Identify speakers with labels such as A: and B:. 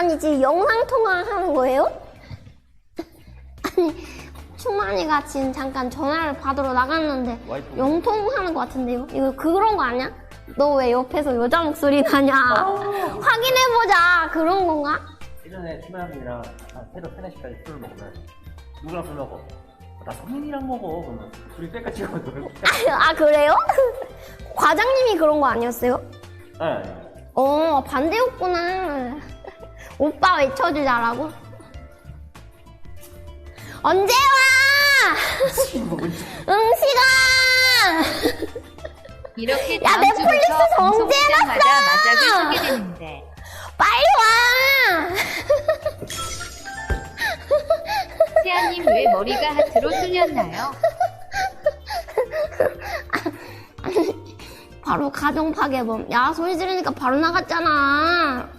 A: 아니 지금 영상통화 하는 거예요? 아니 충만이가 지금 잠깐 전화를 받으러 나갔는데
B: 와이프.
A: 영통하는 것 같은데요? 이거 그런 거 아니야? 너 왜 옆에서 여자 목소리 나냐? 확인해보자 그런 건가?
B: 예전에 팀장님이랑 한 새벽 3, 4시까지 술을 먹으면 누구랑 술 먹어? 나 성민이랑 먹어. 그러면 둘이 빽같이 먹거든.
A: 아 그래요? 과장님이 그런 거 아니었어요?
B: 네.
A: 반대였구나. 오빠 외쳐주자라고? 언제 와? 응시가!
C: 이렇게
A: 야,
C: 다음
A: 넷플릭스
C: 주부터 방송
A: 정지해놨어!
C: 시작마다 맞닥을 서게 되는데
A: 빨리 와!
C: 태아님 왜 머리가 하트로 뚫렸나요?
A: 바로 가정 파괴범. 야, 소리 지르니까 바로 나갔잖아.